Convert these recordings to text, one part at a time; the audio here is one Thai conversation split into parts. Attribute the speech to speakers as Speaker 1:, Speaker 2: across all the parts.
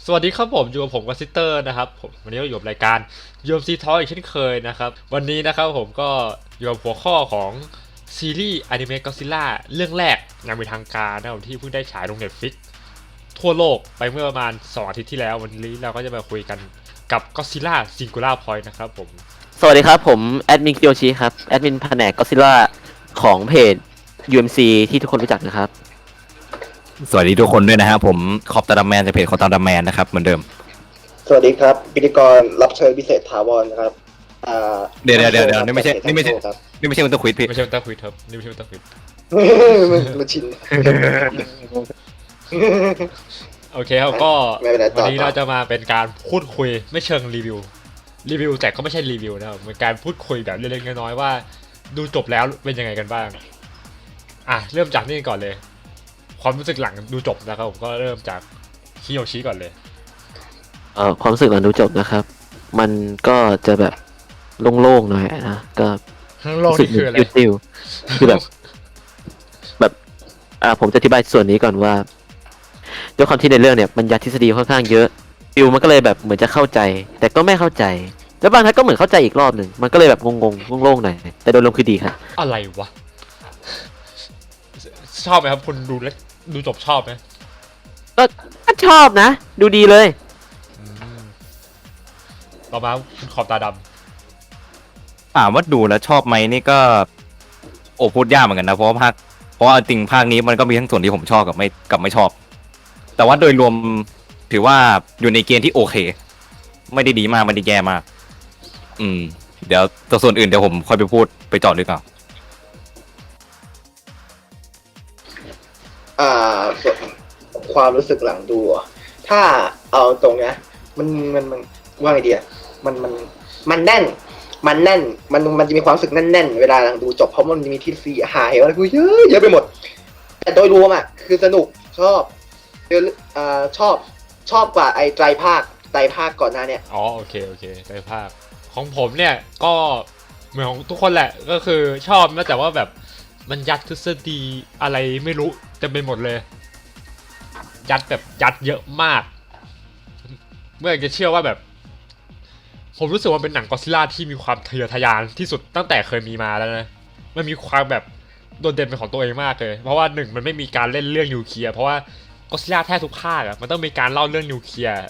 Speaker 1: สวัสดีครับผมอยู่กับผมกับซิสเตอร์นะครับผมวันนี้ก็อยู่กับรายการ UMC Talk อีกเช่นเคยนะครับวันนี้นะครับผมก็อยู่กับหัวข้อของซีรีส์อนิเมะก็อดซิลล่าเรื่องแรกอย่างเป็นทางการนะครับที่เพิ่งได้ฉายลง Netflix ทั่วโลกไปเมื่อประมาณ2 อาทิตย์ที่แล้ววันนี้เราก็จะมาคุยกันกับก็อดซิลล่าซิงคูล่าพอยต์นะครับผม
Speaker 2: สวัสดีครับผมแอดมินคิโยชิครับแอดมินแผนกก็ซิล่าของเพจ UMC ที่ทุกคนรู้จักนะครับ
Speaker 3: สวัสดีทุกคนด้วยนะครับผมคอปตาดัมแมนจากเพจคอปตาดัมแมนนะครับเหมือนเดิม
Speaker 4: สวัสดีครับพิธีกรรับเชิญพิเศษถาวรนะครับ
Speaker 3: เดี๋ยวนี่ไม่ใช่
Speaker 4: ครับ
Speaker 3: มันต้องควิดพี่
Speaker 1: ไม่ใช่มันตาควิดครับนี่ไม่ใช่มันตาควิด
Speaker 4: มันชิน
Speaker 1: โอเคครับก็
Speaker 4: ไม่เป็นไรต่อ
Speaker 1: วันนี้เราจะมาเป็นการพูดคุยไม่เชิงรีวิวแต่ก็ไม่ใช่รีวิวนะครับเป็นการพูดคุยแบบเล็กๆน้อยๆว่าดูจบแล้วเป็นยังไงกันบ้างเริ่มจากนี่ก่อนเลยความรู้สึกหลังดูจบนะครับผมก็เริ่มจากคิโยชิก่อนเลย
Speaker 2: ความรู้สึกหลังดูจบนะครับมันก็จะแบบโล่งๆหน่อยนะก็
Speaker 1: โลกนี่คืออะไร
Speaker 2: ติวคือแบบผมจะอธิบายส่วนนี้ก่อนว่าด้วยความที่ในเรื่องเนี่ยมันยัดทฤษฎีค่อนข้างเยอะฟิวมันก็เลยแบบเหมือนจะเข้าใจแต่ก็ไม่เข้าใจแล้วบางทีก็เหมือนเข้าใจอีกรอบหนึ่งมันก็เลยแบบงงๆโล่งๆหน่อยแต่โดยรวมคือดีครับ
Speaker 1: อะไรวะชอบไหมครับคุณดูแล้วดูจบชอบไหม
Speaker 2: ก็ชอบนะดูดีเลย
Speaker 1: ต่อมาคุณขอบตาด
Speaker 3: ถามว่าดูแล้วชอบไหมนี่ก็พูดยากเหมือนกันนะเพราะว่าจริงภาคนี้มันก็มีทั้งส่วนที่ผมชอบกับไม่ชอบแต่ว่าโดยรวมถือว่าอยู่ในเกณฑ์ที่โอเคไม่ได้ดีมากไม่ได้แย่มากเดี๋ยวตัวส่วนอื่นเดี๋ยวผมค่อยไปพูดไปเจาะลึกเอา
Speaker 4: ส่วนความรู้สึกหลังดูถ้าเอาตรงเนี้ยมันว่าไงดีอ่ะมันแน่นมันจะมีความรู้สึกแน่นๆเวลาหลังดูจบเพราะมันจะมีทฤษฎีหายอะไรกูเยอะไปหมดแต่โดยรวมคือสนุกชอบชอบกว่าไอ้ไตรภาคก่อนหน้าเนี่ย
Speaker 1: โอเคไตรภาคของผมเนี่ยก็เหมือนของทุกคนแหละก็คือชอบนะแต่ว่าแบบมันยัดทฤษฎีอะไรไม่รู้เต็มไปหมดเลยยัดเยอะมากเมื่อจะเชื่อว่าแบบผมรู้สึกว่าเป็นหนังก็อดซิลล่าที่มีความทะเยอทะยานที่สุดตั้งแต่เคยมีมาแล้วนะมันมีความแบบโดดเด่นเป็นของตัวเองมากเลยเพราะว่ามันไม่มีการเล่นเรื่องนิวเคลียร์เพราะว่าก็อดซิลล่าแทบทุกภาคมันต้องมีการเล่าเรื่องนิวเคลียร์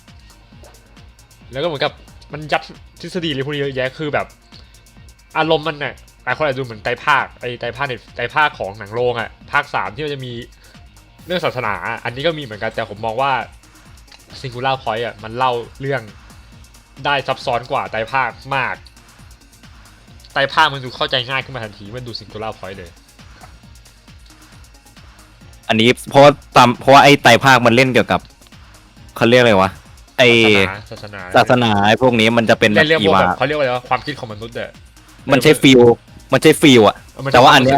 Speaker 1: แล้วก็เหมือนกับมันยัดทฤษฎีอะไรพวกนี้เยอะแยะคือแบบอารมณ์มันน่ะหลายคนอาจจะดูเหมือนไตรภาคของหนังโรงภาค3ที่มันจะมีเรื่องศาสนาอันนี้ก็มีเหมือนกันแต่ผมมองว่าซิงคูล่าพอยต์มันเล่าเรื่องได้ซับซ้อนกว่าไตรภาคมากไตรภาคมันดูเข้าใจง่ายขึ้นมาทันทีมันดูซิงคูล่าพอยต์เลย
Speaker 3: อันนี้เพราะว่าไอ้ไตรภาคมันเล่นเกี่ยวกับเขาเรียกอะไรวะไอ
Speaker 1: ศาส
Speaker 3: นาไอ้พวกนี้มันจะเป็นแบบ
Speaker 1: อีวาเขาเรียกว่าอะไรวะความคิดของมนุษย์
Speaker 3: มันใช้ฟิลอ่ะแต่ว่าอันเนี้ย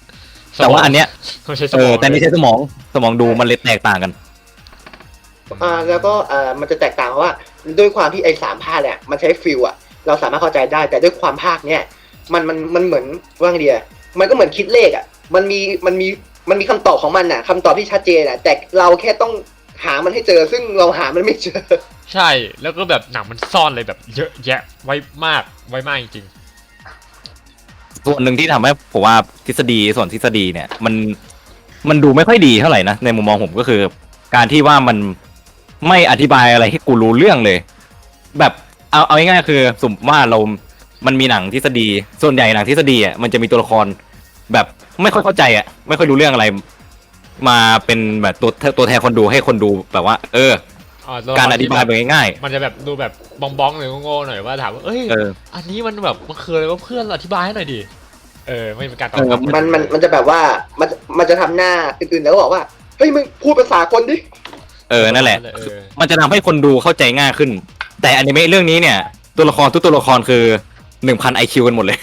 Speaker 3: แต่นี่ใช้สมองดูมันเลยแตกต่างกัน
Speaker 4: แล้วก็มันจะแตกต่างเพราะว่าด้วยความที่ไอ้3 ภาคเนี่ยมันใช้ฟิลเราสามารถเข้าใจได้แต่ด้วยความภาคเนี่ยมันเหมือนว่าไงดีมันก็เหมือนคิดเลขมันมีคำตอบของมันคำตอบที่ชัดเจนแต่เราแค่ต้องหามันให้เจอซึ่งเราหามันไม่เจอ
Speaker 1: ใช่แล้วก็แบบหนังมันซ่อนอะไรแบบเยอะแยะไว้มากจริง
Speaker 3: ส่วนหนึ่งที่ทำให้ผมว่าทฤษฎีเนี่ยมันดูไม่ค่อยดีเท่าไหร่นะในมุมมองผมก็คือการที่ว่ามันไม่อธิบายอะไรให้กูรู้เรื่องเลยแบบเอาง่ายๆคือสมมติว่ามันมีหนังทฤษฎีส่วนใหญ่หนังทฤษฎีมันจะมีตัวละครแบบไม่ค่อยเข้าใจไม่ค่อยรู้เรื่องอะไรมาเป็นแบบตัวแทนคนดูให้คนดูแบบว่าการอธิบายแบบง่าย
Speaker 1: ๆมันจะแบบดูแบบบ้องหรือโง่ๆหน่อยว่าถามว่าอันนี้มันแบบมันคืออะไรว่าเพื่อนอธิบายให้หน่อยดิไม่เป็นการตอบ
Speaker 4: มันจะแบบว่ามันจะทำหน้าอื่นๆแล้วบอกว่าเฮ้ยมึงพูดภาษาคนดิ
Speaker 3: นั่นแหละมันจะทำให้คนดูเข้าใจง่ายขึ้นแต่อนิเมะเรื่องนี้เนี่ยตัวละครทุกตัวละครคือ 1,000 IQ กันหมดเลย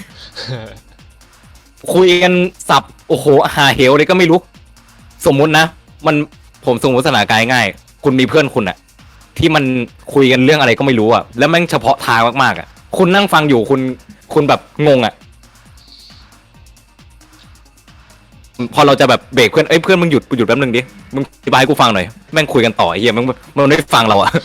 Speaker 3: คุยกันสับโอ้โหหาเหวเลยก็ไม่รู้สมมุตินะผมสมมติสถานการณ์ง่ายคุณมีเพื่อนคุณที่มันคุยกันเรื่องอะไรก็ไม่รู้แล้วแม่งเฉพาะทางมากๆคุณนั่งฟังอยู่คุณแบบงงพอเราจะแบบเบรกเพื่อนเพื่อนมึงหยุดแป๊บนึงดิมึงอธิบายให้กูฟังหน่อยแม่งคุยกันต่อไอ้เหี้ยมันไม่ฟังเราอะ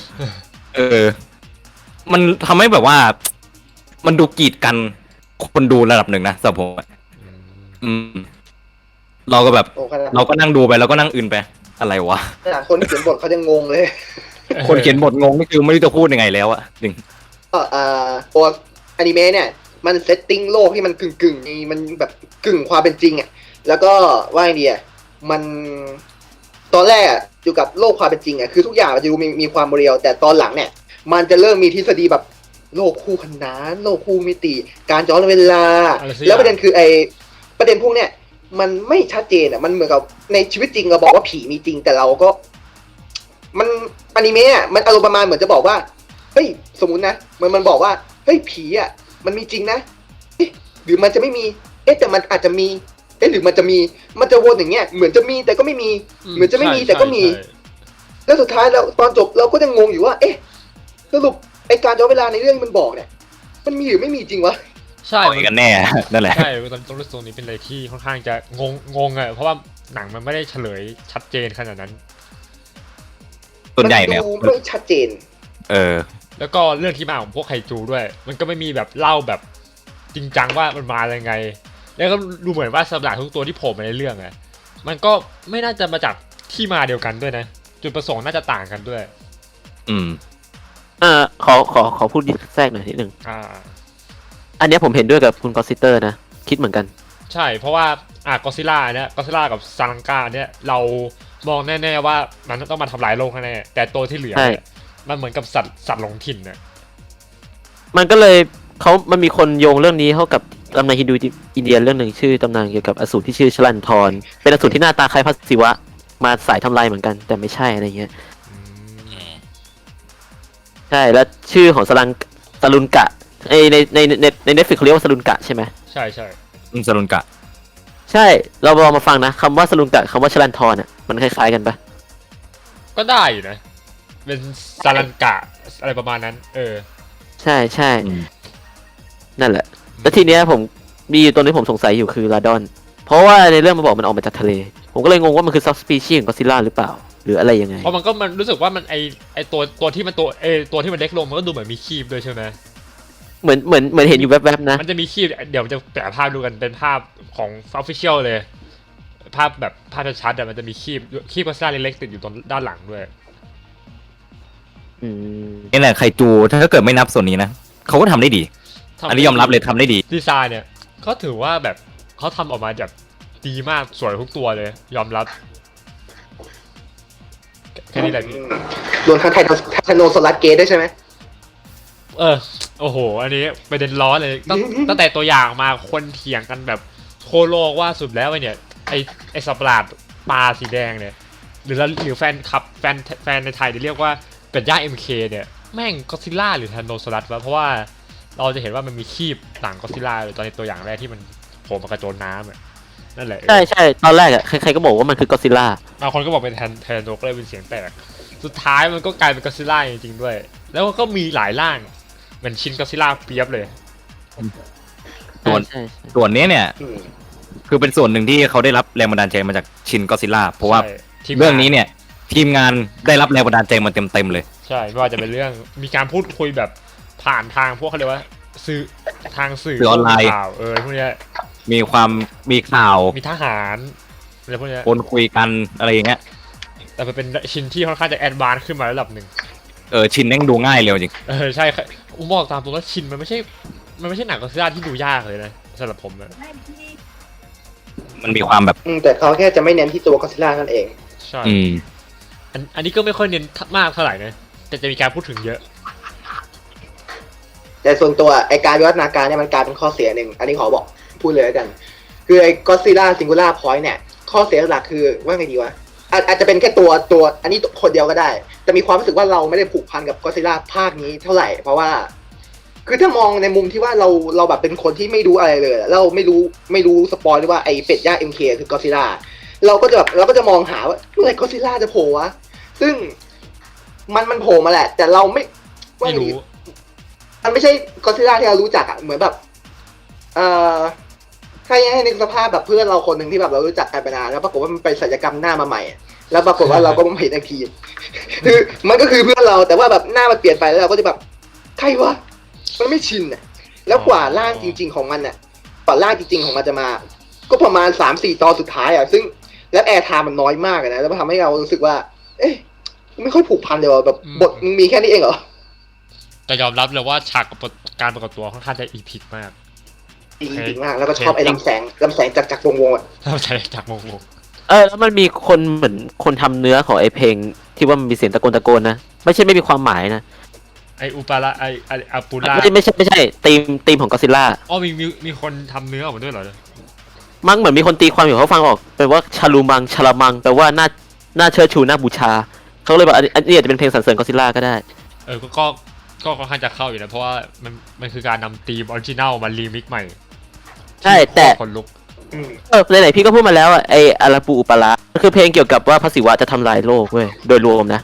Speaker 3: มันทำให้แบบว่า มันดูกีดกันคนดูระดับหนึ่งนะสำหรับผมอืมเราก็แบบ
Speaker 4: โอ้ขนาด
Speaker 3: เราก็นั่งดูไปเราก็นั่งอื่นไปอะไรวะ
Speaker 4: ขนาดคนเขียนบทเขาจะงงเลย
Speaker 3: คนเขียนบทงงนี่คือไม่รู้จะพูดยังไงแล้วอะจริง
Speaker 4: ก็ตัวอนิเมะเนี่ยมันเซตติ้งโลกที่มันกึ่งมันแบบกึ่งความเป็นจริงอ่ะแล้วก็ว่าไงดีอ่ะมันตอนแรกอะอยู่กับโลกความเป็นจริงอ่ะคือทุกอย่างมันจะดูมีความเรียวแต่ตอนหลังเนี่ย มันจะเริ่มมีทฤษฎีแบบโลกคู่ขนานโลกคู่มิติ การย้อนเวลา
Speaker 1: อะไรสักอย่าง
Speaker 4: แล้วประเด็นคือประเด็นพวกเนี้ยมันไม่ชัดเจนอ่ะมันเหมือนกับในชีวิตจริงเราบอกว่าผีมีจริงแต่เราก็ มันอนิเมะอ่ะมันอารมณ์ประมาณเหมือนจะบอกว่าเฮ้ยสมมุตินะมันบอกว่าเฮ้ยผีอ่ะมันมีจริงนะเอ๊ะหรือมันจะไม่มีแต่มันอาจจะมีหรือมันจะมีมันจะวนอย่างเงี้ยเหมือนจะมีแต่ก็ไม่มี เหมือนจะไม่มีแต่ก็มี
Speaker 1: ใช่
Speaker 4: แล้วสุดท้ายแล้วตอนจบเราก็จะงงอยู่ว่า สรุปไอการย้อนเวลาในเรื่องมันบอกเนี่ย มันมีหรือไม่มีจริงวะ
Speaker 1: ใช่
Speaker 3: อะไรกันแน่ นั่นแหละ
Speaker 1: ใช่ตรงนี้เป็นอะไรที่ค่อนข้างจะงงอะเพราะว่าหนังมันไม่ได้เฉลยชัดเจนขนาดนั้น
Speaker 3: ส่วนใหญ่เนี่ย
Speaker 4: มันดูไม่ชัดเจน
Speaker 1: แล้วก็เรื่องที่มาของพวกไคจูด้วย มันก็ไม่มีแบบเล่าแบบจริงจังว่ามันมายังไง แล้วก็ดูเหมือนว่าสัตว์ประหลาดทุกตัวที่โผล่มาในเรื่องอะมันก็ไม่น่าจะมาจากที่มาเดียวกันด้วยนะ จุดประสงค์น่าจะต่างกันด้วย
Speaker 3: อืม
Speaker 2: ขอพูดแทรกหน่อยนิดนึง
Speaker 1: อ่า
Speaker 2: อันเนี้ยผมเห็นด้วยกับคุณกอสซิเตอร์นะ คิดเหมือนกัน
Speaker 1: ใช่เพราะว่าก็ซิล่าเนี่ยก็ซิล่ากับซาลังกาเนี่ยเรามองแน่ๆว่ามันต้องมาทำลายโลกแน่ๆแต่ตัวที่เหลือเนี่ยมันเหมือนกับสัตว์หลงถิ่นน่ะ
Speaker 2: มันก็เลยมันมีคนโยงเรื่องนี้เข้ากับตำนานฮินดูอินเดียเรื่องหนึ่งชื่อตำนานเกี่ยวกับอสูรที่ชื่อชลันทรเป็นอสูรที่หน้าตาคล้ายพระศิวะมาสายทำลายเหมือนกัน แต่ไม่ใช่อะไรเงี้ย ใช่แล้วชื่อของสลุนกะในเน็ตฟลิกเขาเรียกว่าสลุนกะใช่ไหม
Speaker 1: ใช่ใช่
Speaker 3: สรุนกะ
Speaker 2: ใช่เราลองมาฟังนะคำว่าสลุนกะคำว่าชลันทรอ่ะมันคล้ายๆกันปะ
Speaker 1: ก็ได้อยู่นะ เป็นซาลันกะอะไรประมาณนั้น
Speaker 2: ใช่ใช่
Speaker 3: อืม
Speaker 2: นั่นแหละ แล้วทีเนี้ยผมมีอยู่ตัวนี้ผมสงสัยอยู่คือลาดอน เพราะว่าในเรื่องมันบอกมันออกมาจากทะเล ผมก็เลยงงว่ามันคือซับสปีชีส์ของก็อดซิลล่าหรือเปล่า หรืออะไรยังไง
Speaker 1: เพราะมันรู้สึกว่ามันไอตัวที่มันตัวที่มันเล็กลงมันก็ดูเหมือนมีคีบด้วยใช่ไหม
Speaker 2: เหมือนเห็นอยู่แวบๆนะ
Speaker 1: มันจะมีคีบเดี๋ยวมันจะแปะภาพดูกันเป็นภาพของ official เลย ภาพแบบภาพชัดๆมันจะมีคีบก็อดซิลล่าเล็กๆติดอยู่ตรงด้านหลังด้วย
Speaker 2: อืม
Speaker 3: นี่แหละไคจูถ้าเกิดไม่นับส่วนนี้นะเขาก็ทำได้ดี อันนี้ยอมรับเลยทำได้ดี
Speaker 1: ดีไซน์เนี่ยก็ถือว่าแบบเขาทำออกมาแบบดีมากสวยทุกตัวเลย ยอมรับแค่นี้แหละพี่
Speaker 4: รวมทั้งไททานโนสลัดเกตด้วยใช่ไหม
Speaker 1: โอ้โห อันนี้ประเด็นร้อนเลยตั้งแต่ตัวอย่างมาคนเถียงกันแบบโคโลกว่าสุดแล้วเนี่ยไอสัตว์ประหลาดปลาสีแดงเนี่ยหรือแฟนคลับแฟนในไทยที่เรียกว่าเป็ดย่าง MK เนี่ยแม่งก็อดซิลล่าหรือทานโนซอรัสวะเพราะว่าเราจะเห็นว่ามันมีคีบต่างก็อดซิลล่าเลยตอนในตัวอย่างแรกที่มันโผล่มากระโจนน้ำอะนั่นแหละ
Speaker 2: ใช่ใช่ตอนแรกอ่ะใครๆก็บอกว่ามันคือกอดซิลล่า
Speaker 1: บางคนก็บอกเป็นแทนโนก็เลยเป็นเสียงแตกสุดท้ายมันก็กลายเป็นก็อดซิลล่าจริงๆด้วย แล้วก็มีหลายร่างเหมือนชินก็อดซิลล่าเปียบเลย
Speaker 3: ส่วน
Speaker 2: ใช่
Speaker 3: ส่วนนี้เนี่ย
Speaker 4: อืม
Speaker 3: คือเป็นส่วนหนึ่งที่เขาได้รับแรงบันดาลใจมาจากชินก็อดซิลล่าเพราะว่า
Speaker 1: ใช่ทีม
Speaker 3: เรื่องนี้เนี่ย ทีมงานได้รับแรงบันดาลใจมาเต็มๆเลย
Speaker 1: ใช่ไม่ว่าจะเป็นเรื่องมีการพูดคุยแบบผ่านทางพวกเขาเรียกว่าสื่อทางสื่อ
Speaker 3: สื่อออนไลน์
Speaker 1: ข่าวพวกเนี้ย
Speaker 3: มีข่าว
Speaker 1: มีทหารอะไรพวกเนี้ย
Speaker 3: คนคุยกันอะไรอย่างเงี้ย
Speaker 1: แต่มันเป็นชินที่ค่อนข้างจะแอดวานซ์ขึ้นมาระดับหนึ่ง
Speaker 3: ชินแม่งดูง่ายเร็วจริง
Speaker 1: ใช่ครับผมบอกตามตรงว่าชินมันไม่ใช่หนังก็อดซิลล่าที่ดูยากเลยนะสำหรับผมนะ
Speaker 3: มันมีความแบบ
Speaker 4: แต่เขาแค่จะไม่เน้นที่ตัวก็อดซิลล่านั่นเอง
Speaker 1: ใช่
Speaker 3: อืม
Speaker 1: อันนี้ก็ไม่ค่อยเน้นมากเท่าไหร่นะแต่จะมีการพูดถึงเยอะ
Speaker 4: แต่ส่วนตัวไอการวิวัฒนาการเนี่ยมันกลายเป็นข้อเสียหนึ่งอันนี้ขอบอกพูดเลยแล้วกัน คือไอก็อดซิลล่าซิงคูล่าพอยต์เนี่ยข้อเสียหลักคือว่าไงดีวะอาจจะเป็นแค่ตัวอันนี้คนเดียวก็ได้ แต่มีความรู้สึกว่าเราไม่ได้ผูกพันกับก็อดซิลล่าภาคนี้เท่าไหร่เพราะว่า คือถ้ามองในมุมที่ว่าเราแบบเป็นคนที่ไม่รู้อะไรเลยเราไม่รู้สปอยเลยว่าไอเป็ดย่า MK คือก็อดซิลล่าเราก็จะมองหาว่าเมื่อไหร่ก็อดซิลล่าจะโผล่วะซึ่งมันโผล่มาแหละ แต่เราไม่
Speaker 1: ไม่รู้
Speaker 4: มันไม่ใช่ก็อดซิลล่าที่เรารู้จักอ่ะเหมือนแบบถ้าให้นึกสภาพแบบเพื่อนเราคนหนึ่งที่แบบเรารู้จักกันไปนานแล้วปรากฏว่ามันไปศัลยกรรมหน้ามาใหม่อะแล้วปรากฏว่าเราก็มาเห็นอีกทีคือมันก็คือเพื่อนเราแต่ว่าแบบหน้ามันเปลี่ยนไปแล้วเราก็จะแบบใครวะมันไม่ชินอ่ะแล้วกว่าร่างจริง ๆของมันอ่ะกว่าร่างจริงๆของมันจะมา ก็ประมาณ3-4 ตอนสุดท้ายอ่ะซึ่งแล้วแอร์ไทม์มันน้อยมากนะแล้วมันทำให้เรารู้สึกว่า เอ๊ะไม่ค่อยผูกพันเลยว่ะแบบบทมึงมีแค่นี้เองเหรอ
Speaker 1: แต่ยอมรับเลยว่าฉากการปรากฏตัวค่อนข้างจะอีพิกมาก
Speaker 4: จริงๆมากแล้วก็ชอบไอ้ลำแสงจากวงๆอ่ะ
Speaker 1: เราใช้จากโมโห
Speaker 2: แล้วมันมีคนเหมือนคนทำเนื้อของไอเพลงที่ว่ามันมีเสียงตะโกนนะไม่ใช่ไม่มีความหมายนะ
Speaker 1: ไออุปาระไออาปูล่า
Speaker 2: ไม่ใช่ธีมของก็ซิล่า
Speaker 1: อ๋อมีคนทำเนื้อออกมาด้วยเหรอ
Speaker 2: มั้งเหมือนมีคนตีความอยู่เขาฟังออกแปลว่าชาลูมังชาลามังแปลว่าน่าเชิดชูน่าบูชาเขาเลยบอกอันนี้อาจจะเป็นเพลงสรรเสริญก็ซิล่าก็ได้
Speaker 1: ก็ค่อนข้างจะเข้าอยู่นะเพราะว่ามันคือการนำธีมออริจินัลมารีมิกใหม่
Speaker 2: ใช่แต่
Speaker 1: คนลุก
Speaker 2: ไหนๆพี่ก็พูดมาแล้วอ่ะไออาราปูอุปาระมันคือเพลงเกี่ยวกับว่าพระศิวะจะทำลายโลกเว้ยโดยรวมนะ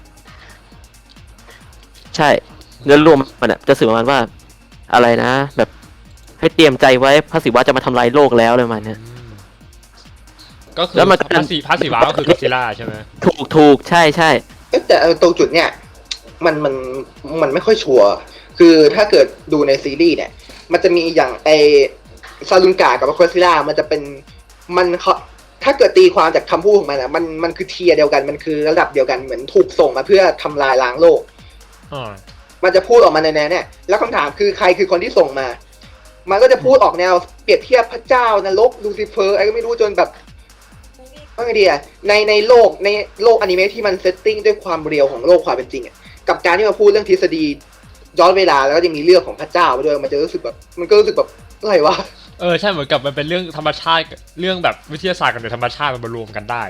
Speaker 2: ใช่เนื้อรวมมันอ่ะจะสื่อประมาณว่าอะไรนะ แบบให้เตรียมใจไว้พระศิวะจะมาทำลายโลกแล้วเลยมันเนี่ย
Speaker 1: ก็คือ
Speaker 2: แล้วมัน
Speaker 1: พระศิวะก็คือกอดซิลล่าใช่ไหม
Speaker 2: ถูกใช่
Speaker 4: แต่ตรงจุดเนี่ยมันไม่ค่อยชัวร์คือถ้าเกิดดูในซีรีส์เนี่ย มันจะมีอย่างไอซาลุนกากับก็อดซิลล่ามันจะเป็นมันถ้าเกิดตีความจากคำพูดของมันอ่ะมันคือเทียร์เดียวกันมันคือระดับเดียวกันเหมือนถูกส่งมาเพื่อทำลายล้างโลก มันจะพูดออกมาในแนวเนี่ยแล้วคำถามคือใครคือคนที่ส่งมา มันก็จะพูดออกแนวเปรียบเทียบพระเจ้านรกลูซิเฟอร์อะไรก็ไม่รู้จนแบบว่าไงดีอะในโลกอนิเมะที่มันเซตติ้งด้วยความเรียวของโลกความเป็นจริงอะกับการที่มาพูดเรื่องทฤษฎีย้อนเวลาแล้วก็จะมีเรื่องของพระเจ้าไปด้วยมันจะรู้สึกแบบมันก็รู้สึกแบบอะไรวะ
Speaker 1: ใช่เหมือนกับมันเป็นเรื่องธรรมชาติเรื่องแบบวิทยาศาสตร์กับธรรมชาติมันมารวมกันได้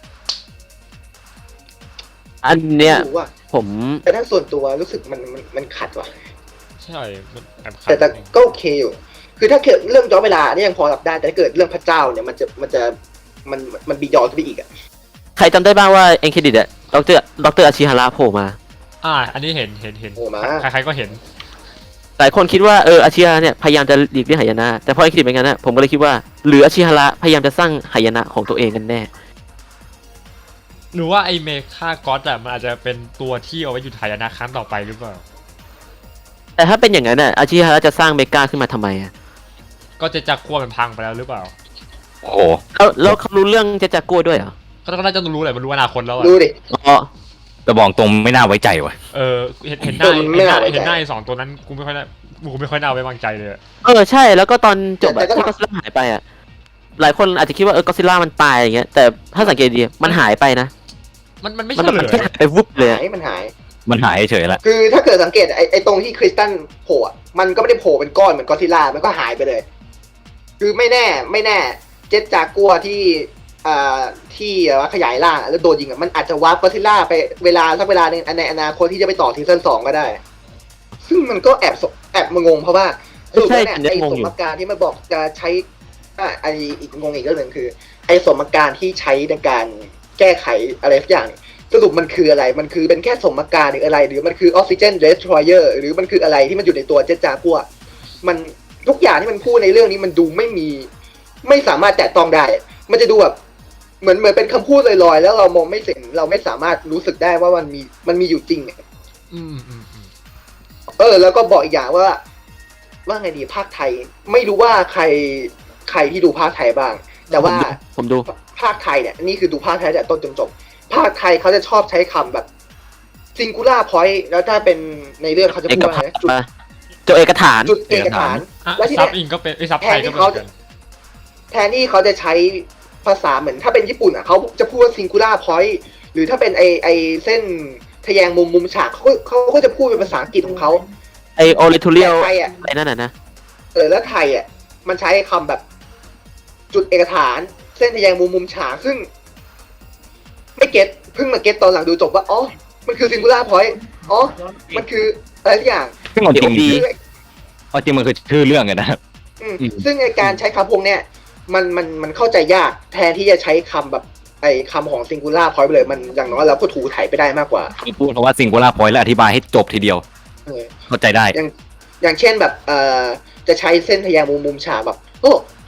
Speaker 2: อันเนี้ย
Speaker 4: รู้ว่า
Speaker 2: ผม
Speaker 4: แต่ถ้าส่วนตัวรู้สึกมันขัดว่ะ
Speaker 1: ใช่มันแอบขัด
Speaker 4: แต่ก็โอเคอยู่คือถ้าเกิดเรื่องย้อนเวลาเนี่ยยังพอรับได้แต่ถ้าเกิดเรื่องพระเจ้าเนี่ยมันบียอนไปอีกอะ
Speaker 2: ใครจำได้บ้างว่าเอ็นเครดิตอะดรอาชิฮาระโผล่มา
Speaker 1: อันนี้เห็น
Speaker 4: โอ้มา
Speaker 1: ใครๆก็เห็น
Speaker 2: หลายคนคิดว่าอาชิฮาระเนี่ยพยายามจะหลีกเลี่ยงหายนะแต่พอเอ็นเครดิตเป็นงั้นนะผมก็เลยคิดว่าหรืออาชิฮาระพยายามจะสร้างหายนะของตัวเองกันแน่
Speaker 1: หรือว่าไอเมคาก็อดมันอาจจะเป็นตัวที่เอาไว้หยุดหายนะครั้งต่อไปหรือเปล่า
Speaker 2: แต่ถ้าเป็นอย่างนั้นอาชิฮาระจะสร้างเมกาขึ้นมาทำไมอะ
Speaker 1: ก็จะจักกัวมันพังไปแล้วหรือเปล่า
Speaker 3: โอ้โห
Speaker 2: แล้วเขารู้เรื่องเจจากัวด้วยเหรอ
Speaker 1: ก็น่าจะรู้แหละมันรู้อนาคตแล้วอะ
Speaker 4: ดูดิ
Speaker 2: อ๋อ
Speaker 3: แต่บอกตรงไม่น่าไว้ใจว่ะ
Speaker 1: เห็นหน้า
Speaker 4: ไม่น่าไว้ใจ
Speaker 1: เห็นหน้าไอ้สองตัวนั้นกูไม่ค่อยน่าไว้วางใจเลย
Speaker 2: ใช่แล้วก็ตอนจบ
Speaker 4: แต่ก็
Speaker 2: ที่ก็อดซิลล่าหายไปอะหลายคนอาจจะคิดว่าก็อดซิลล่ามันตายอย่างเงี้ยแต่ถ้าสังเกตดีมันหายไปนะ
Speaker 1: มันไม่
Speaker 2: มัน
Speaker 1: ใช่เลย
Speaker 2: แค่หายไปวุบเลยอะ
Speaker 4: มันหาย
Speaker 3: มันหายเฉยๆละ
Speaker 4: คือถ้าเกิดสังเกตไอ้ตรงที่คริสตัลโผล่อะมันก็ไม่ได้โผล่เป็นก้อนเหมือนกอดซิลล่ามันก็หายไปเลย คือไม่แน่เจ็ตจากกัวที่ว่าขยายร่างแล้วโดนยิงอะมันอาจจะวาร์ปกอดซิลล่าไปเวลาสักเวลาหนึงในอนาคตที่จะไปต่อซีซั่น2ก็ได้ ซึ่งมันก็แอบมางงเพราะว่าสรุปแล้วเนี่ยไอ้สมการที่มันบอกจะใช้ไอ้อีกงงอีกเรื่องหนึ่งคือ ไอ้สมการที่ใช้ในการแก้ไขอะไรสักอย่าง สรุปมันคืออะไร มันคือเป็นแค่สมการหรืออะไร หรือมันคือออกซิเจนเดสทรอยเออร์หรือมันคืออะไรที่มันอยู่ในตัวเจตจากัวมันทุกอย่างที่มันพูดในเรื่องนี้มันดูไม่สามารถแตะต้องได้ มันจะดูแบบเหมือนเป็นคำพูดลอยๆแล้วเรามองไม่เห็นเราไม่สามารถรู้สึกได้ว่ามันมีอยู่จริง
Speaker 1: อืม
Speaker 4: แล้วก็บอกอีกอย่างว่าไงดีภาคไทย ไม่รู้ว่าใครที่ดูภาคไทยบ้าง แต่ว่า
Speaker 2: ผมดู
Speaker 4: ภาคไทยเนี่ยนี่คือดูภาคไทยแต่ต้นจนจบภาคไทยเขาจะชอบใช้คำแบบ singular point แล้วถ้าเป็นในเรื่องเขาจะ
Speaker 2: เอ
Speaker 4: พูด
Speaker 2: ก
Speaker 4: ว่า
Speaker 2: ฐา
Speaker 4: ไง
Speaker 2: นจุดเอกฐาน
Speaker 4: จุดเอกฐาน แล้วที่
Speaker 1: ซั
Speaker 4: เนี่
Speaker 1: บ
Speaker 4: ย
Speaker 1: อิงก็เป็นซับไทยก็เป็นเหมือนกัน
Speaker 4: แทนที่เขาจะใช้ภาษาเหมือนถ้าเป็นญี่ปุ่นอ่ะเขาจะพูดว่า singular point หรือถ้าเป็นไอเส้นทะแยงมุมฉากเขาก็จะพูดเป็นภาษาอังกฤษของเขา
Speaker 2: ไอโอริทูเรียล
Speaker 4: แต่ไทยอ่ะ
Speaker 2: อะไรนั่นน่ะนะ
Speaker 4: แล้วไทยอ่ะมันใช้คำแบบจุดเอกฐาน เส้นทะแยงมุมฉากซึ่ง ไม่เก็ตเพิ่งมาเก็ตตอนหลังดูจบว่าอ๋อมันคือ singular point อ๋อมันคืออะไรทุกอย่าง
Speaker 3: ซึ่งเอาจริง
Speaker 2: ดี
Speaker 3: เอาจริงมันคือชื่อเรื่องไงนะ
Speaker 4: ซึ่งไอการใช้คำพวกเนี้ยมันเข้าใจยากแทนที่จะใช้คำแบบไอคำของ singular point ไปเลยมันอย่างน้อยเราก็ถูถ่ายไปได้มากกว่า
Speaker 3: พูดเพราะว่าsingular point และอธิบายให้จบทีเดียว
Speaker 4: เออ
Speaker 3: เข้าใจได้
Speaker 4: อย่างเช่นแบบจะใช้เส้นทะแยงมุมฉากแบบโอ้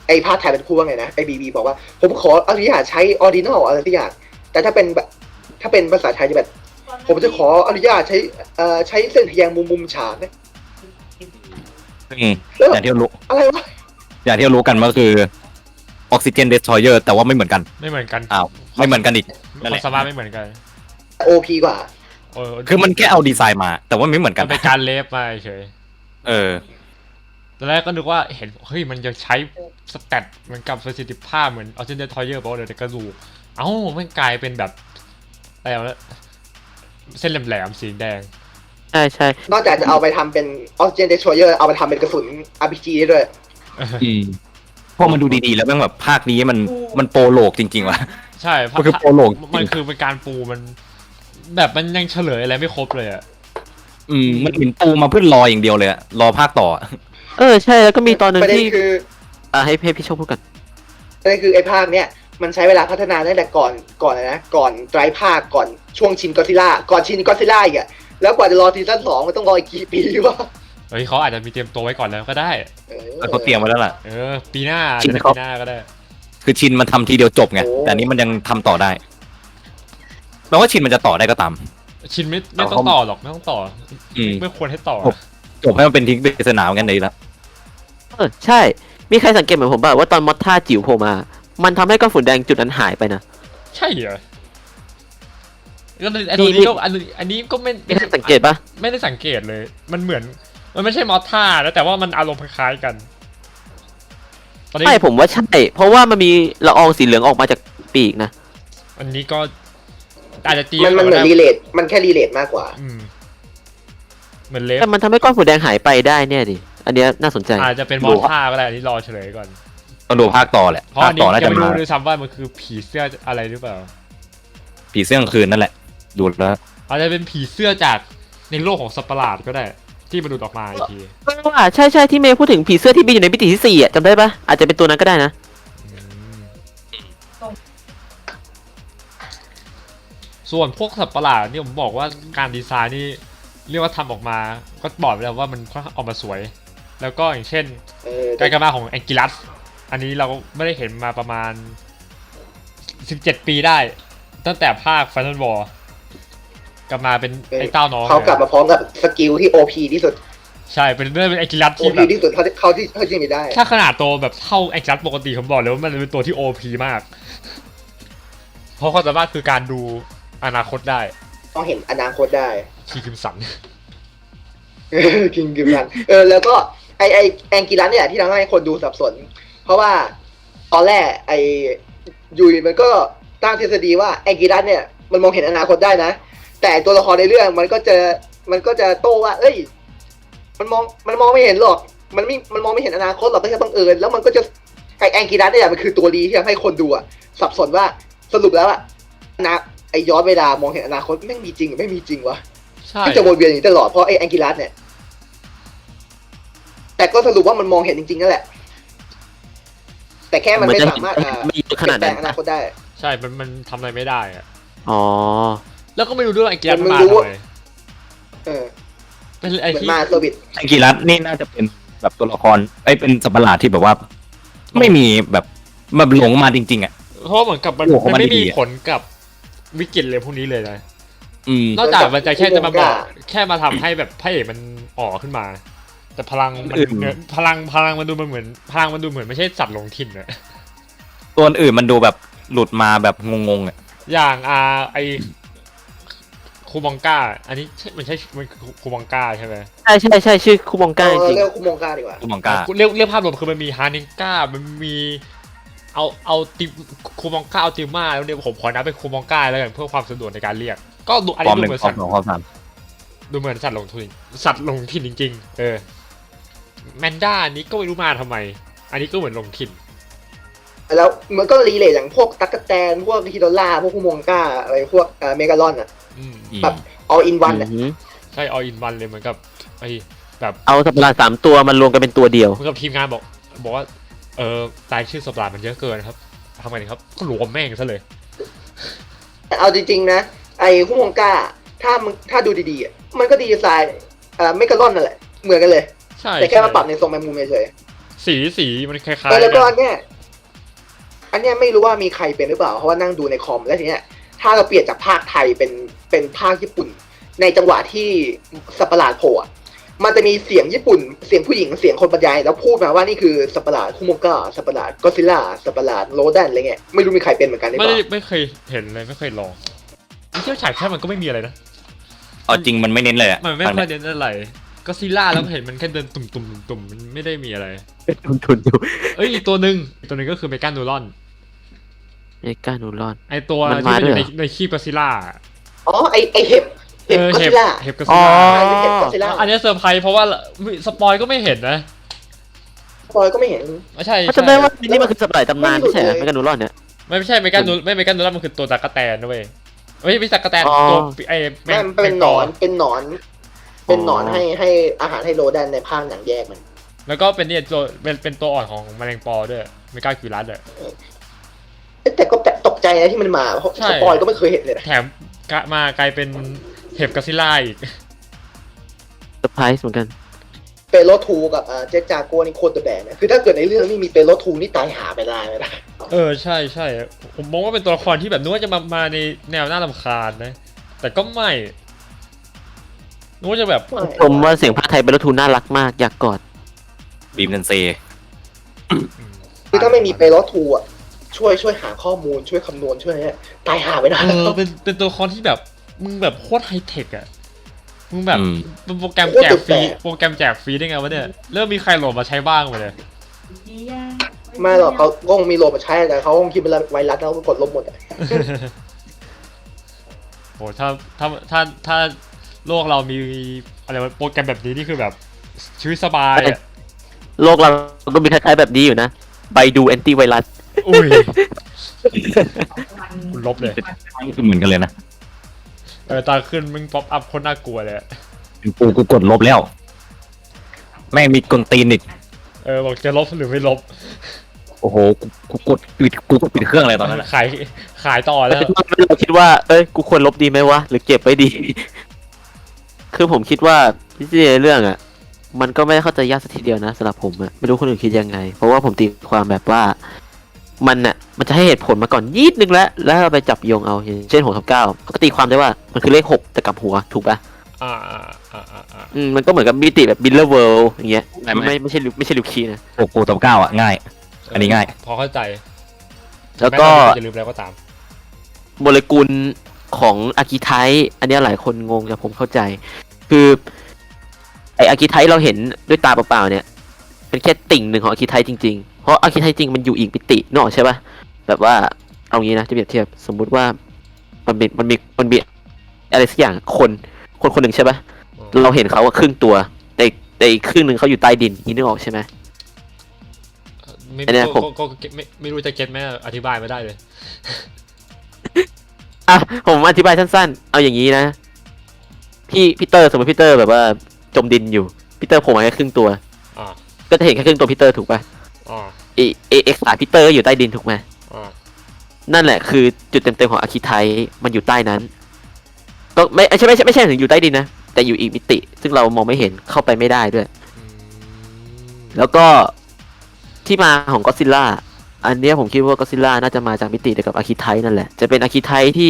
Speaker 4: ไอ้ภาคไทยเป็นคู่ว่าไงนะไอ้บีบอกว่าผมขออนุญาตใช้ออริจินอลอะไรสักอย่างแต่ถ้าเป็นแบบถ้าเป็นภาษาไทยจะแบบผมจะขออนุญาตใช้เส้นทะแยงมุมฉากนะ
Speaker 3: ซึ่ง
Speaker 4: แล้ว
Speaker 3: อย่างที่รู้
Speaker 4: อะไรวะ
Speaker 3: อย่างที่รู้กันก็คือออกซิเจนเดสทรอยเออร์แต่ว่าไม่เหมือนกัน
Speaker 1: ไม่เหมือนกัน
Speaker 3: อ้าวไม่เหมือนกันอีก นั่น
Speaker 1: ค
Speaker 3: แห
Speaker 1: วา
Speaker 3: ละ
Speaker 1: มสามารถไม่เหมือนกัน
Speaker 4: โอพีกว่า
Speaker 3: คือมันแค่เอาดีไซน์มา แต่ว่าไม่เหมือนกั
Speaker 1: มัน นเป็นการเลฟมาเฉย
Speaker 3: เออ
Speaker 1: ตอนแรกก็นึกว่าเห็นเฮ้ยมันจะใช้สแตทเหมือนกับประสิทธิภาพเหมือนออเจนเดทอยเยอร์บอกเลยแต่กระดูกเอ้ามันกลายเป็นแบบอะไรวะเส้นแหลมๆสีแดง
Speaker 2: ใช่ใช่
Speaker 4: นอกจากจะเอาไปทำเป็นออสเจนเดชเยอร์เอาไปทำเป็นกระสุน RPG ได้ด้วย
Speaker 3: อืมพอมันดูดีๆแล้วแม่งแบบภาคนี้มันโปรโลกจริงๆว่ะ
Speaker 1: ใช่
Speaker 3: มันคือโปรโลก
Speaker 1: มันคือเป็นการปูมัน แบบมันยังเฉลยอะไรไม่ครบเลยอะ
Speaker 3: มันเห็นปูมาเพื่อรออย่างเดียวเลยอะรอภาคต่ออะ
Speaker 2: ใช่แล้วก็มีตอนหนึ่ง
Speaker 4: ประเด็น
Speaker 2: ที่
Speaker 4: คือ
Speaker 2: ให้พี่โชคพูดกัน
Speaker 4: ประเด็นคือไอ้ภาคเนี้ยมันใช้เวลาพัฒนาตั้งแต่ก่อนนะก่อนไตรภาคก่อนช่วงชินก็ซิล่าก่อนชินก็ซิล่าอีกอะแล้วกว่าจะรอซีซั่น2มันต้องรออีกกี่ปีวะ
Speaker 1: เฮ้ยเขาอาจจะมีเตรียมตัวไว้ก่อนแล้วก็ได้
Speaker 3: แต่เขาเตรียมไว้แล้วล่ะ
Speaker 1: ปีหน้า
Speaker 3: จริง
Speaker 1: จะ
Speaker 3: ครับ
Speaker 1: ปีหน้าก็ได้
Speaker 3: คือชินมันทำทีเดียวจบไง แต่อันนี้มันยังทำต่อได้แปลว่าชินมันจะต่อได้ก็ตาม
Speaker 1: ชินไม่ต้องต่อหรอกไม่ต้องต่ออ
Speaker 3: ม
Speaker 1: ไม่ควรให้ต่อ
Speaker 3: จบให้มันเป็นทิ้งปริศนาเหมือนกันเลยละ
Speaker 2: ใช่ มีใครสังเกตเหมือนผมป่ะว่าตอนมอสท่าจิ๋วโผล่มา มันทำให้ก้อนฝุ่นแดงจุดนั้นหายไปนะ
Speaker 1: ใช่เหรอก็ไอ้ตัวนี้ก็อันนี้ก็ไม่
Speaker 2: มีใครสังเกตป่ะ
Speaker 1: ไม่ได้สังเกตเลย มันเหมือน มันไม่ใช่มอสท่าแล้วแต่ว่ามันอารมณ์คล้ายๆกัน ตอนนี้
Speaker 2: ใช่ผมว่าใช่ เพราะว่ามันมีละอองสีเหลืองออกมาจากปีกนะ
Speaker 1: อันนี้ก็อาจจะตี
Speaker 4: มันเหมือนรีเลทมันแค่รีเลทมากกว่า
Speaker 1: อืมเหมือนเลฟ
Speaker 2: แต่มันทำให้ก้อนฝุ่นแดงหายไปได้เนี่ยดิ อันเนี้ยน่าสนใจ
Speaker 1: อาจจะเป็นมอสท่าก็ได้อันนี้รอเฉลยก่อน
Speaker 3: ต้องดูภาคต่อแหละ
Speaker 1: เพราะ
Speaker 3: ภา
Speaker 1: อั
Speaker 3: คน
Speaker 1: นี้
Speaker 3: ต่อน่า
Speaker 1: ยั
Speaker 3: จะ
Speaker 1: งไม่
Speaker 3: มา
Speaker 1: รู้ด้วยซ้ำว่ามันคือผีเสื้ออะไรหรือเปล่า
Speaker 3: ผีเสื้อกลางคืนนั่นแหละ ดูแล้ว
Speaker 1: อาจจะเป็นผีเสื้อจากในโลกของสัตว์ประหลาดก็ได้ ที่มันดูดออกมาอีกที
Speaker 2: ว่าใช่ใช่ที่เมย์พูดถึงผีเสื้อที่บินอยู่ในมิติที่4อ่ะจำได้ปะอาจจะเป็นตัวนั้นก็ได้นะ
Speaker 1: ส่วนพวกสัตว์ประหลาดนี่ผมบอกว่าการดีไซน์นี่เรียกว่าทำออกมาก็บอกไปแล้วว่ามันค่อนข้างออกมาสวย แล้วก็อย่างเช่น การกลับมาของแองกิลัสอันนี้เราไม่ได้เห็นมาประมาณ17 ปีได้ ตั้งแต่ภาค Final War กลับมาเป็นไอ้เต้าน้อง
Speaker 4: เขากลับมาพร้อมกับสกิลที่ OP ที่สุด
Speaker 1: ใช่เป็นเรื่องเป็นแองกิลัสที่
Speaker 4: OP
Speaker 1: แบบ
Speaker 4: ที่สุดเขาที่มีได้
Speaker 1: ถ้าขนาดตัวแบบเท่าแองกิลัสปกติผมบอกเลยว่ามันเป็นตัวที่ OP มาก เพราะความสามารถคือการดูอนาคตได้
Speaker 4: ต้องเห็นอนาคตได้
Speaker 1: คีคิมสัน
Speaker 4: กินกินกันแล้วก็ไอแองกิลัสเนี่ยที่ทำให้คนดูสับสน เพราะว่าตอนแรกยุยมันก็ตั้งทฤษฎีว่าแองกิลัสเนี่ยมันมองเห็นอนาคตได้นะ แต่ตัวละครในเรื่องมันก็จะโต้ว่า เอ้ย มันมองไม่เห็นหรอก มันมองไม่เห็นอนาคตหรอกก็แค่บังเอิญแล้วมันก็จะไอแองกิลัสเนี่ยมันคือตัวดีที่ทำให้คนดูสับสนว่าสรุปแล้วไอย้อนเวลามองเห็นอนาคตไม่มีจริงหรือไม่มีจริงวะ
Speaker 1: ใช่
Speaker 4: ที่จะวนเวียนอย่างนี้ตลอดเพราะไอ้แองกิลัสเนี่ย แต่ก็สรุปว่ามันมองเห็นจริงๆนั่นแหละ แต่แค่มันไม่สามารถ
Speaker 2: ไม่เยอะขนาดนั้น
Speaker 4: เปลี่ยนแปลงอนาคตได้
Speaker 1: ใช่ มันทำอะไรไม่ได้อะ
Speaker 2: อ๋อ
Speaker 1: แล้วก็ไม่รู้ด้วยว่าแองกิลัส
Speaker 4: มัน
Speaker 1: มา
Speaker 4: รู้
Speaker 1: ทำ
Speaker 4: ว่า
Speaker 1: ไม
Speaker 4: เออ
Speaker 1: เป็นไอ้
Speaker 4: เหมือน
Speaker 1: ที่
Speaker 4: มาเซอร์วิส
Speaker 3: แองกิลัสนี่น่าจะเป็นแบบตัวละครเป็นสัตว์ประหลาดที่แบบว่า ไม่มีแบบหลงมาจริงๆอ่ะ
Speaker 1: เพราะเหมือนกับมัน
Speaker 3: โอ้โห
Speaker 1: มันไม่
Speaker 3: มันดี
Speaker 1: มี
Speaker 3: อะ
Speaker 1: ผลกับวิกฤตเลยพวกนี้เลยนะ
Speaker 3: น
Speaker 1: นอกจากมันจะแค่จะมาบอกแค่มาทำให้แบบพระเอกมันอ๋อขึ้นมา แต่พลังมันพลังมันดูมันเหมือนพลังมันดูเหมือนไม่ใช่สัตว์หลงถิ่นอะ
Speaker 3: ตัวอื่นมันดูแบบหลุดมาแบบงงๆอ่ะ
Speaker 1: อย่างไอคูมองก้าอันนี้มันใช่มันคูมองก้าใช่ไหม
Speaker 2: ใช่ใช่ใช่ชื่อคุบองก้าจริง
Speaker 4: เรียกคุโมงกาดีกว่า
Speaker 3: ตัวมังกา
Speaker 1: เรียกภาพรวมคือมันมีฮานิงก้ามันมีเอาติคูมองก้าเอาติม่าแล้วเนี่ยผมขอนับเป็นคูมองก้าแล้วกันเพื่อความสะดวกในการเรียก ก็ดูอัน
Speaker 3: ควา
Speaker 1: นี้
Speaker 3: มห
Speaker 1: ดู
Speaker 3: นึ่ง
Speaker 1: เหมือน
Speaker 3: ควา
Speaker 1: สั
Speaker 3: ม
Speaker 1: ตว์
Speaker 3: สองความสาม
Speaker 1: ดูเหมือนสัตว์หลงถิ่นจริงๆแมนด้านี้ก็ไม่รู้มาทำไม อันนี้ก็เหมือนหลงถิ่น
Speaker 4: แล้วมันก็รีเลทอย่างพวกตั๊กแตนพวกฮิโดล่าพวกคุโมงกาอะไรพวกเมกาลอนอ่ะ แบบ all in one อ่ะ
Speaker 1: ใช่ all in one เลยเหมือนกับไอ้แบบ
Speaker 2: เอาสัตว์ประหลาด3 ตัวมันรวมกันเป็นตัวเดียว
Speaker 1: เหมือนกับทีมงานบอกว่ารายชื่อสัตว์ประหลาดมันเยอะเกินครับทำไงดีครับก็รวมแม่งซะเลย
Speaker 4: แต่เอาจริงๆนะไอ้คุโมงกาถ้าดูดีๆอ่ะมันก็ดีไซน์เมกาลอนนั่นแหละเหมือนกันเลย
Speaker 1: ใช่
Speaker 4: แต่แค่มาปรับในทรงแมงมุมเฉย
Speaker 1: สีมันคล้าย
Speaker 4: แล้ว
Speaker 1: ๆ
Speaker 4: ก็
Speaker 1: กั
Speaker 4: อั
Speaker 1: น
Speaker 4: นเนี้ยไม่รู้ว่ามีใครเป็นหรือเปล่าเพราะว่านั่งดูในคอมแล้วทีเนี้ยถ้าเราเปลี่ยนจากภาคไทยเป็นภาคญี่ปุ่น ในจังหวะที่สัตว์ประหลาดโผล่อะมันจะมีเสียงญี่ปุ่นเสียงผู้หญิงเสียงคนบรรยายแล้วพูดมาว่านี่คือสัตว์ประหลาดคุโมกะสัตว์ประหลาดก็ซิล่าสัตว์ประหลาดโรแดนอะไรเงี้ยไม่รู้มีใครเป็นเหมือนกันหรือเป
Speaker 1: ไม่ได้
Speaker 4: ล่า
Speaker 1: ไม่เคยเห็นเลยไม่เคยลองเที่ยวฉายแค่มันก็ไม่มีอะไรนะ
Speaker 3: เอาจริงมันไม่เน้นเลยอะ
Speaker 1: มันไม่ค่อยเน้นอะไรก็ซีล่าแล้วเห็นมันแค่เดินตุ่มมันไม่ได้มีอะไร
Speaker 2: ทุนอยู่
Speaker 1: เอ้ยอีกตัวหนึ่งก็คือเมกานูรอน
Speaker 2: เอกานูรอน
Speaker 1: ไอตัว
Speaker 2: มัน
Speaker 1: ที่
Speaker 2: มา
Speaker 1: มันอ
Speaker 2: ด้วย
Speaker 1: ยู่
Speaker 2: เหรอ
Speaker 1: ในขี้ก็ซิล่า
Speaker 4: อ๋อไอเห็บก็ซิล่า
Speaker 1: เห็บก็
Speaker 2: อ๋
Speaker 1: ซิ
Speaker 2: อ
Speaker 1: ล่า
Speaker 4: เห็บก็ซิล่า
Speaker 1: อันนี้เซอร์ไพรส์เพราะว่าสปอยก็ไม่เห็นนะ
Speaker 4: ปอยก็ไม่เห็น
Speaker 1: ไม่ใช่
Speaker 2: เขาจำได้ว่านี่มันคือสัตว์ประหลาดตำนานไม่ใช่เหรอเมกานูรอนเนี่ย
Speaker 1: ไม่ใช่เมกานูรอนมันคือตัวตะกะแตนนะเว้ยไม่ใช่ตะกะแตน
Speaker 2: อ๋อ
Speaker 1: ตัวไอ
Speaker 4: แม่มันเป็นหนอนเป็นหนอนให้อาหารให้โรแดนในภาคหนังแยกมัน
Speaker 1: แล้วก็เป็นเนี่ยตัวเป็นตัวอ่อนของแมลงปอด้วยเมกาคิวรัสเลย
Speaker 4: แต่ก็ตกใจนะที่มันมาเพราะ
Speaker 1: ใช่
Speaker 4: สปอยก็ไม่เคยเห็นเลยนะ
Speaker 1: แถมมากลายเป็นเห็บกอซิล่าอีก
Speaker 2: เซอร์ไพรส์เหมือนกัน
Speaker 4: เปโลทูกับเจจากัวนี่โคตรเดอะแบนนะคือถ้าเกิดในเรื่องนี้มีเปโลทูนี่ตายหาไปได้เลยนะ
Speaker 1: ใช่ผมมองว่าเป็นตัวละครที่แบบนึกว่าจะมาในแนวน่ารำคาญนะแต่ก็ไม่นึกว่าจะแบบ
Speaker 2: ผมว่าเสียงภาคไทยเป็นรถทูน่ารักมากอยากกอด
Speaker 3: บีมเซนเซ
Speaker 4: คือถ้าไม่มีเปโลทูอ่ะช่วยหาข้อมูลช่วยคำนวณช่วยเนี่ยตายหาไปได้
Speaker 1: เป็นตัวละครที่แบบมึงแบบโคตรไฮเทคอะมึงแบบ
Speaker 3: อืม
Speaker 1: เป็นโปรแกรมแจกฟรีได้ไงวะเนี่ยเริ่มมีใครโหลดมาใช้บ้างวะเนี่ย
Speaker 4: ไม่หรอกเขาก็คงมีโหลดมาใช้แต่เขาคงคิดเป็นไวรัสแล้วก็กดลบหมดอะ
Speaker 1: โหถ้าโลกเรามีอะไรวะโปรแกรมแบบนี้นี่คือแบบชีวิตสบายอะ
Speaker 2: โลกเราก็มีคล้ายๆแบบนี้อยู่นะไปดูแอนตี้ไวรัส
Speaker 1: อุ้ยคุณลบเลย
Speaker 3: เหมือนกันเลยนะ
Speaker 1: ตาขึ้นมึงป๊อปอัพคนน่ากลัวเลยอะ
Speaker 3: กูกดลบแล้ว แม่งมีกลตีนอีก
Speaker 1: บอกจะลบหรือไม่ลบ
Speaker 3: โอ้โหกูกดปิดเครื่องอะไรตอนนั้นอะ
Speaker 1: ขายต่อแล้ว
Speaker 2: เราคิดว่าเอ้ยกูควรลบดีไหมวะหรือเก็บไว้ดี คือผมคิดว่าที่ในเรื่องอ่ะ มันก็ไม่ได้เข้าใจยากสักทีเดียวนะสำหรับผมอะไม่รู้คนอื่นคิดยังไง เพราะว่าผมตีความแบบว่า มันจะให้เหตุผลมาก่อนนิดนึงแล้วเราไปจับโยงเอาอย่างเช่น6 ทับ 9ก็ตีความได้ว่ามันคือเลข6แต่กลับหัวถูกปะ
Speaker 1: อ่า
Speaker 2: มันก็เหมือนกับมิติแบบบิลเลอร์เวิลด์อย่างเงี้ยไม่ใช่ลิวคีนะ
Speaker 3: กูตบ9อ่ะง่าย อันนี้ง่าย
Speaker 1: พอเข้าใจ
Speaker 2: แล้วก็
Speaker 1: แม้เราจะลืมแล้วก็ตาม
Speaker 2: โมเลกุลของอากิไทป์อันเนี้ยหลายคนงงแต่ผมเข้าใจ คือไออากิไทป์เราเห็นด้วยตาเปล่าๆเนี่ย เป็นแค่ติ่งหนึ่งของอากิไทป์จริงๆ เพราะอากิไทป์จริงมันอยู่อีกมิตินกออกใช่ปะแบบว่าเอางี้นะจะเปรียบเทียบสมมุติว่ามันมีอะไรสักอย่างคนหนึ่งใช่ปะเราเห็นเขาครึ่งตัวแต่อีกครึ่งหนึ่งเขาอยู่ใต้ดินนี่นึกออกใช่ไหม
Speaker 1: ไม่
Speaker 2: อันเนี้ยผม
Speaker 1: ก็ไม่รู้จะเก็ตไหมอธิบายไม่ได้เลย
Speaker 2: อ่ะผมอธิบายสั้นๆ เอาอย่างนี้นะพี่เตอร์สมมติพี่เตอร์แบบว่าจมดินอยู่พี่เตอร์โผล่มาแค่ครึ่งตัว
Speaker 1: อ่า
Speaker 2: ก็จะเห็นแค่ครึ่งตัวพี่เตอร์ถูกป่ะ
Speaker 1: อ่า
Speaker 2: เอ็กซ์พี่เตอร์ก็อยู่ใต้ดินถูกไหม
Speaker 1: อ่า
Speaker 2: นั่นแหละคือจุดเต็มๆของอาคิไทมันอยู่ใต้นั้นก็ไม่ใช่ถึงอยู่ใต้ดินนะแต่อยู่อีกมิติ ซึ่งเรามองไม่เห็นเข้าไปไม่ได้ด้วย แล้วก็ที่มาของก็ซิล่าอันเนี้ยผมคิดว่าก็ซิล่าน่าจะมาจากมิติเดียวกับอาคิไทนั่นแหละจะเป็นอาคิไทที่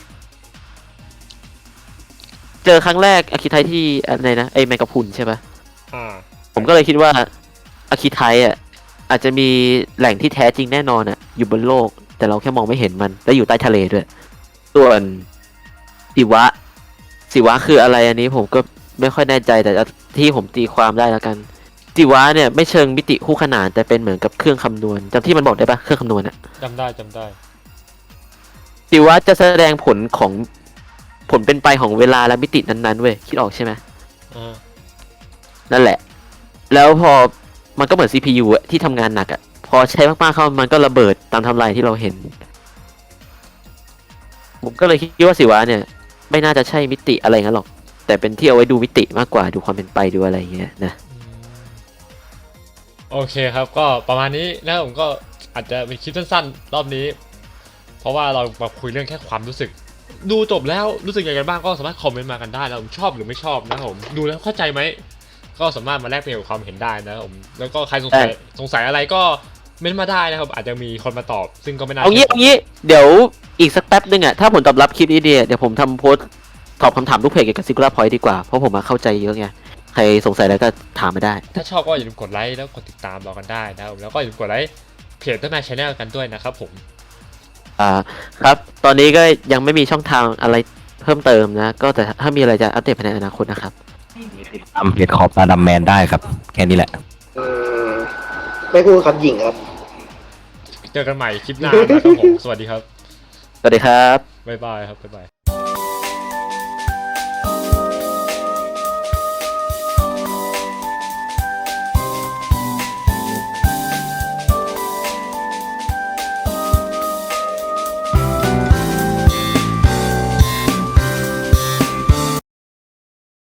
Speaker 2: เจอครั้งแรกอาคิไทที่อะไรนะไอแมงกะพรุนใช่ปะ
Speaker 1: อ่า
Speaker 2: ผมก็เลยคิดว่าอาคิไทอ่ะอาจจะมีแหล่งที่แท้จริงแน่นอนอ่ะอยู่บนโลก แต่เราแค่มองไม่เห็นมันและอยู่ใต้ทะเลด้วย ส่วนสิวะคืออะไรอันนี้ผมก็ไม่ค่อยแน่ใจแต่ที่ผมตีความได้แล้วกันสิวะเนี่ยไม่เชิงมิติคู่ขนานแต่เป็นเหมือนกับเครื่องคำนวณจำที่มันบอกได้ปะเครื่องคำนวณอ่ะ
Speaker 1: จำได้
Speaker 2: สิวะจะแสดงผลเป็นไปของเวลาและมิตินั้นๆเว้ยคิดออกใช่ไหม
Speaker 1: อ่า
Speaker 2: นั่นแหละ แล้วพอมันก็เหมือน CPU อะที่ทำงานหนักอะพอใช้มากๆเข้ามันก็ระเบิดตามไทำลายที่เราเห็น ผมก็เลยคิดว่าสิวะเนี่ย ไม่น่าจะใช่มิติอะไรงั้นหรอก แต่เป็นที่เอาไว้ดูมิติมากกว่าดูความเป็นไปดูอะไรอย่างเงี้ยนะ
Speaker 1: โอเคครับก็ประมาณนี้นะผมก็อาจจะเป็นคลิปสั้นๆรอบนี้ เพราะว่าเรามาคุยเรื่องแค่ความรู้สึก ดูจบแล้วรู้สึกยังไงกันบ้างก็สามารถคอมเมนต์มากันได้นะผมชอบหรือไม่ชอบนะผมดูแล้วเข้าใจไหมก็สามารถมาแลกเปลี่ยนความเห็นได้นะครับผมแล้วก็ใครสงสัยอะไรก็เม้นต์มาได้นะครับอาจจะมีคนมาตอบ ซึ่งก็ไม่น่า
Speaker 2: เอางี้เดี๋ยวอีกสักแป๊บนึงอ่ะถ้าผลตอบรับคลิปนี้ดีเดี๋ยวผมทำโพสต์ตอบคำถามลูกเพจเกี่ยวกับซิงคูล่าพอยต์ดีกว่าเพราะผมมาเข้าใจเยอะไงใครสงสัยอะไรก็ถามมาได้
Speaker 1: ถ้าชอบก็อย่าลืมกดไลค์แล้วกดติดตามเรากันได้นะครับแล้วก็อย่าลืมกดไลค์เพจต้นไม้ชาแนลกันด้วยนะครับผม
Speaker 2: ครับ ตอนนี้ก็ยังไม่มีช่องทางอะไรเพิ่มเติมนะ ก็แต่ถ้ามีอะไรจะอัปเดตภายในอนาคตนะครับ
Speaker 3: ตามเพจขอบตาดำแมนได้ครับ แค่นี้แหละ
Speaker 4: อืมไม่พูดครับหญิงครับ
Speaker 1: เจอกันใหม่คลิปหน้านะครับผมสวัสดีครับ
Speaker 2: สวัสดีครับ
Speaker 1: บ๊ายบายครับบ๊ายบาย